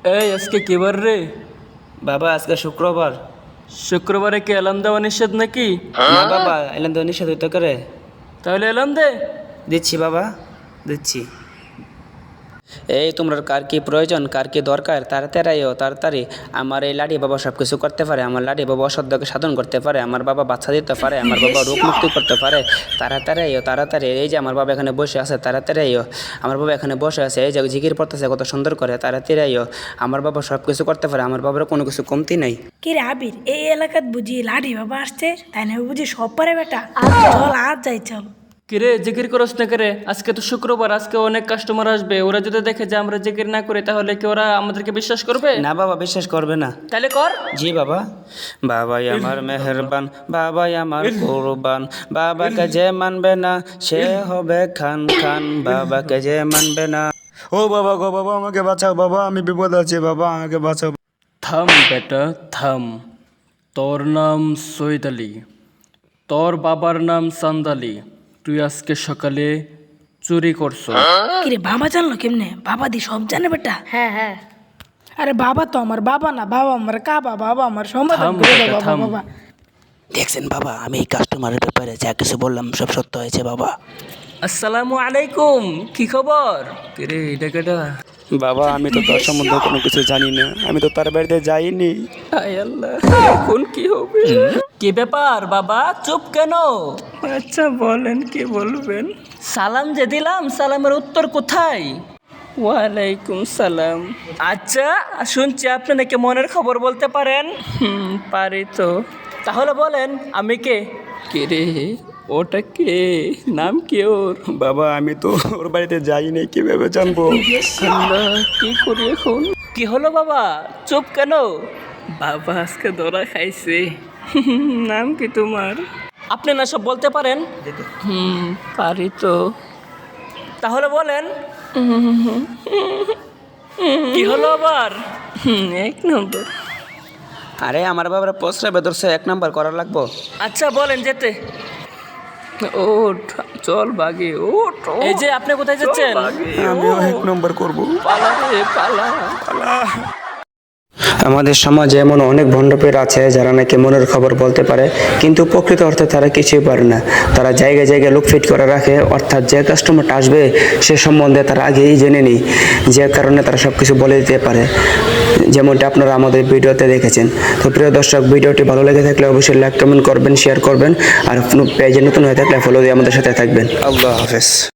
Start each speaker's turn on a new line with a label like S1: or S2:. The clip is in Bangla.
S1: এই আজকে কি বার রে?
S2: বাবা আজকে শুক্রবার।
S1: শুক্রবারে কি অ্যালার্ম দেওয়া নিষেধ নাকি?
S2: না বাবা, এলাম তো নিষেধ হইতে করে।
S1: তাহলে অ্যালার্ম দে।
S2: দিচ্ছি বাবা, দিচ্ছি। এই তোমরা কার কি প্রয়োজন, কার কি দরকার, তাড়াতাড়ি আইও, তাড়াতাড়ি। আমার এই লাডি বাবা সব কিছু করতে পারে। আমার লাডি বাবা অসাধ্যকে সাধন করতে পারে। আমার বাবা বাচ্চা দিতে পারে। আমার বাবা রোগ মুক্তি করতে পারে। তাড়াতাড়ি আইও, তাড়াতাড়ি। এই যে আমার বাবা এখানে বসে আছে, তাড়াতাড়ি আইও। আমার বাবা এখানে বসে আছে, এই যে জিকির পড়তেছে কত সুন্দর করে, তাড়াতাড়ি আইও। আমার বাবা সব কিছু করতে পারে। আমার বাবার কোনো কিছু কমতি নাই।
S3: কি রে আবির, এই এলাকাত বুঝি লাঠি বাবা আসছে, তাই না বুঝি সব পারে বেটা। চল আর যাই চল।
S1: কিরে জিকির করস না করে? আজকে তো শুক্রবার, আজকে অনেক কাস্টমার আসবে। ওরা যদি দেখে যে আমরা জিকির না করি তাহলে কি ওরা আমাদেরকে বিশ্বাস করবে?
S2: না বাবা, বিশ্বাস করবে না।
S1: তাহলে কর।
S2: জি বাবা। বাবাই আমার মেহেরবান, বাবাই আমার কুরবান, বাবাকে যে মানবে না সে হবে খান খান, বাবাকে যে মানবে না। ও বাবা গো, বাবা আমাকে বাঁচাও, বাবা আমি বিপদ আছি, বাবা আমাকে বাঁচাও।
S1: থাম বেটা থাম। তোর নাম সৈয়দ আলী, তোর বাবার নাম চান্দালি। তুই আজকে সকালে চুরি করছ।
S3: কি রে বাবা জানলো কেমনে? বাবা দি সব জানে বেটা।
S4: হ্যাঁ হ্যাঁ।
S3: আরে বাবা তো আমার বাবা না, বাবা আমার কাবা, বাবা আমার সমাধান
S1: থাম
S3: করে দাও
S1: বেটা,
S3: বাবা
S1: থাম।
S3: বাবা।
S2: দেখছেন বাবা, আমি এই কাস্টমারের ব্যাপারে যা কিছু বললাম সব সত্য হয়েছে বাবা।
S1: আসসালামু আলাইকুম, কি খবর? কিরে এটা কেটা?
S2: বাবা আমি তো তার সম্বন্ধে কোনো কিছু জানি না, আমি তো তার বাড়িতে যাইনি।
S1: হায় আল্লাহ, এখন কি হবে? কি ব্যাপার বাবা, চুপ কেন?
S2: আচ্ছা বলেন, কি বলবেন?
S1: সালাম যে দিলাম, সালামের উত্তর কোথায়?
S2: ওয়ালাইকুম সালাম।
S1: আচ্ছা, শুনছি আপনি নাকি মনের খবর বলতে পারেন।
S2: পারি তো।
S1: তাহলে বলেন আমি কে?
S2: কে রে, ওটা কে, নাম কি ওর? বাবা আমি তো ওর বাড়িতে যাইনি, কিভাবে জানবো?
S1: আল্লাহ, কি করি এখন? কি হলো বাবা, চুপ কেন?
S2: বাবা আজকে ধরা খাইছে। নাম কি তোমার?
S1: আপনি না সব বলতে পারেন?
S2: পারি তো।
S1: তাহলে বলেন কি হলো আবার?
S2: এক নম্বর। আরে আমার বাবার প্রস্রাবে ধরছে, এক নাম্বার করা লাগবো।
S1: আচ্ছা বলেন যেতে।
S2: ওঠ, চল বাগে, ওঠ।
S1: এই যে আপনি কোথায় যাচ্ছেন?
S2: আমিও এক নম্বর করবো।
S1: পালা রে পালা।
S2: আমাদের সমাজে এমন অনেক ভণ্ডপীর আছে যারা নাকি মনের খবর বলতে পারে, কিন্তু প্রকৃত অর্থে তারা কিছুই পারে না। তারা জায়গায় জায়গায় লোক ফিট করে রাখে, অর্থাৎ যে কাস্টমারটা আসবে সে সম্বন্ধে তারা আগেই জেনে নেই, যে কারণে তারা সব কিছু বলে দিতে পারে, যেমনটা আপনারা আমাদের ভিডিওতে দেখেছেন। তো প্রিয় দর্শক, ভিডিওটি ভালো লেগে থাকলে অবশ্যই লাইক কমেন্ট করবেন, শেয়ার করবেন, আর পেজে নতুন হয়ে থাকলে ফলো দিয়ে আমাদের সাথে থাকবেন। আল্লাহ হাফেজ।